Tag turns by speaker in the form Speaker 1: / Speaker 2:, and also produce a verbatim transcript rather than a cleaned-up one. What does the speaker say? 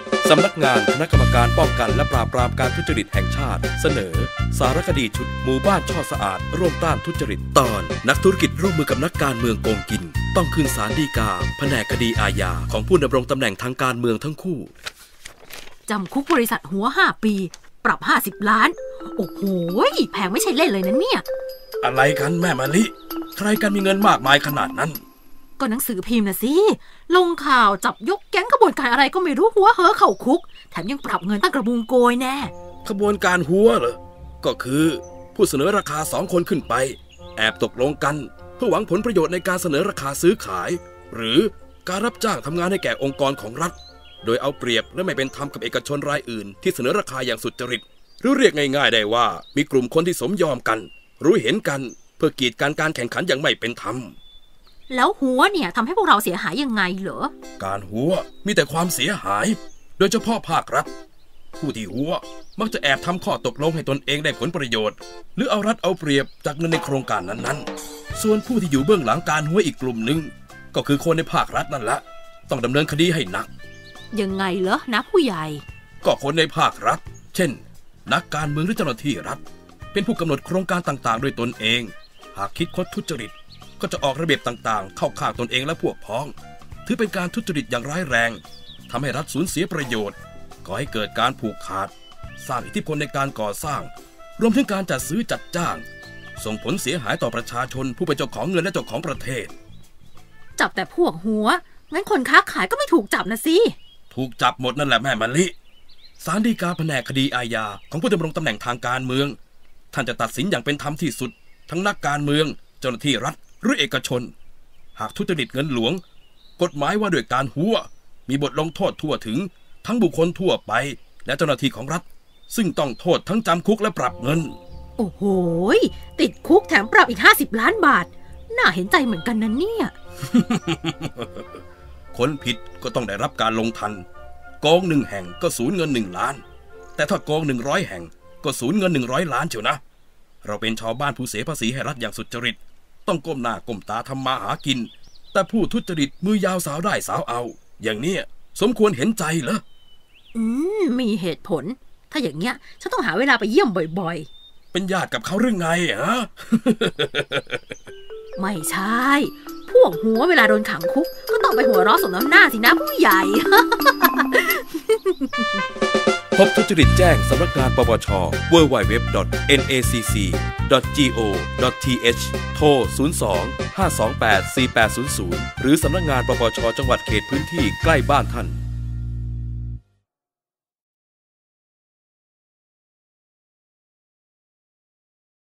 Speaker 1: สำนักงานคณะกรรมการป้องกันและปราบปรามการทุจริตแห่งชาติเสนอสารคดีชุดหมู่บ้านช่อสะอาดร่วมต้านทุจริตตอนนักธุรกิจร่วมมือกับนักการเมืองโกงกินต้องขึ้นศาลฎีกาแผนกคดีอาญาของผู้ดำรงตำแหน่งทางการเมืองทั้งคู่
Speaker 2: จำคุกบริษัทหัวห้าปีปรับห้าสิบล้านโอ้โหแพงไม่ใช่เล่นเลยนะเนี่ย
Speaker 1: อะไรกันแม่มะลิใครกันมีเงินมากมายขนาดนั้น
Speaker 2: ก็หนังสือพิมพ์นะสิลงข่าวจับยกแก๊งขบวนการอะไรก็ไม่รู้หัวเห่อเข่าคุกแถมยังปรับเงินตั้งกระบุงโกยแน่
Speaker 1: ขบวนการหัวเหรอก็คือผู้เสนอราคาสองคนขึ้นไปแอบตกลงกันเพื่อหวังผลประโยชน์ในการเสนอราคาซื้อขายหรือการรับจ้างทำงานให้แก่องค์กรของรัฐโดยเอาเปรียบและไม่เป็นธรรมกับเอกชนรายอื่นที่เสนอราคาอย่างสุจริตหรือเรียกง่ายๆได้ว่ามีกลุ่มคนที่สมยอมกันรู้เห็นกันเพื่อกีดกันการแข่งขันอย่างไม่เป็นธรรม
Speaker 2: แล้วหัวเนี่ยทำให้พวกเราเสียหายยังไงเหรอ
Speaker 1: การหัวมีแต่ความเสียหายโดยเฉพาะภาครัฐผู้ที่หัวมักจะแอบทำข้อตกลงให้ตนเองได้ผลประโยชน์หรือเอารัดเอาเปรียบจากเงินในโครงการนั้นๆส่วนผู้ที่อยู่เบื้องหลังการหัวอีกกลุ่มหนึ่งก็คือคนในภาครัฐนั่นแหละต้องดำเนินคดีให้หนัก
Speaker 2: ยังไงเหรอนะผู้ใหญ่
Speaker 1: ก็คนในภาครัฐเช่นนักการเมืองหรือเจ้าหน้าที่รัฐเป็นผู้กำหนดโครงการต่างๆโดยตนเองหากคิดคดทุจริตก็จะออกระเบียบต่างๆเข้าข้างตนเองและพวกพ้องถือเป็นการทุจริตอย่างร้ายแรงทำให้รัฐสูญเสียประโยชน์ก่อให้เกิดการผูกขาดสร้างอิทธิพลในการก่อสร้างรวมถึงการจัดซื้อจัดจ้างส่งผลเสียหายต่อประชาชนผู้เป็นเจ้าของเงินและเจ้าของประเทศ
Speaker 2: จับแต่พวกหัวงั้นคนค้าขายก็ไม่ถูกจับนะสิ
Speaker 1: ถูกจับหมดนั่นแหละแม่มะลิศาลฎีกาแผนกคดีอาญาของผู้ดำรงตำแหน่งทางการเมืองท่านจะตัดสินอย่างเป็นธรรมที่สุดทั้งนักการเมืองเจ้าหน้าที่รัฐหรือเอกชนหากทุจริตเงินหลวงกฎหมายว่าด้วยการหัวมีบทลงโทษทั่วถึงทั้งบุคคลทั่วไปและเจ้าหน้าที่ของรัฐซึ่งต้องโทษทั้งจำคุกและปรับเงิน
Speaker 2: โอ้โหติดคุกแถมปรับอีกห้าสิบล้านบาทน่าเห็นใจเหมือนกันนะเนี่ย
Speaker 1: คนผิดก็ต้องได้รับการลงทันโกงหนึ่งแห่งก็สูญเงินหนึ่งล้านแต่ถ้าโกงหนึ่งร้อยแห่งก็สูญเงินหนึ่งร้อยล้านเชียวนะเราเป็นชาวบ้านผู้เสียภาษีให้รัฐอย่างสุจริตต้องก้มหน้าก้มตาทำมาหากินแต่ผู้ทุจริตมือยาวสาวได้สาวเอาอย่างเนี้ยสมควรเห็นใจเหรอ
Speaker 2: อืมมีเหตุผลถ้าอย่างเงี้ยฉันต้องหาเวลาไปเยี่ยมบ่อย
Speaker 1: ๆเป็นญาติกับเขาหรือไงฮะ
Speaker 2: ไม่ใช่พวกหัวเวลาโดนขังคุกก็ต้องไปหัวเราะสมน้ำหน้าสินะผู้ใหญ่
Speaker 1: พบทุจริตแจ้งสำนักงานปปช ดับเบิลยู ดับเบิลยู ดับเบิลยู ดอท เอ็น เอ ซี ซี ดอท จี โอ ดอท ที เอช โทร ศูนย์ สอง ห้า สอง แปด สี่ แปด ศูนย์ ศูนย์ หรือสำนักงานปปช จังหวัดเขตพื้นที่ใกล้บ้านท่าน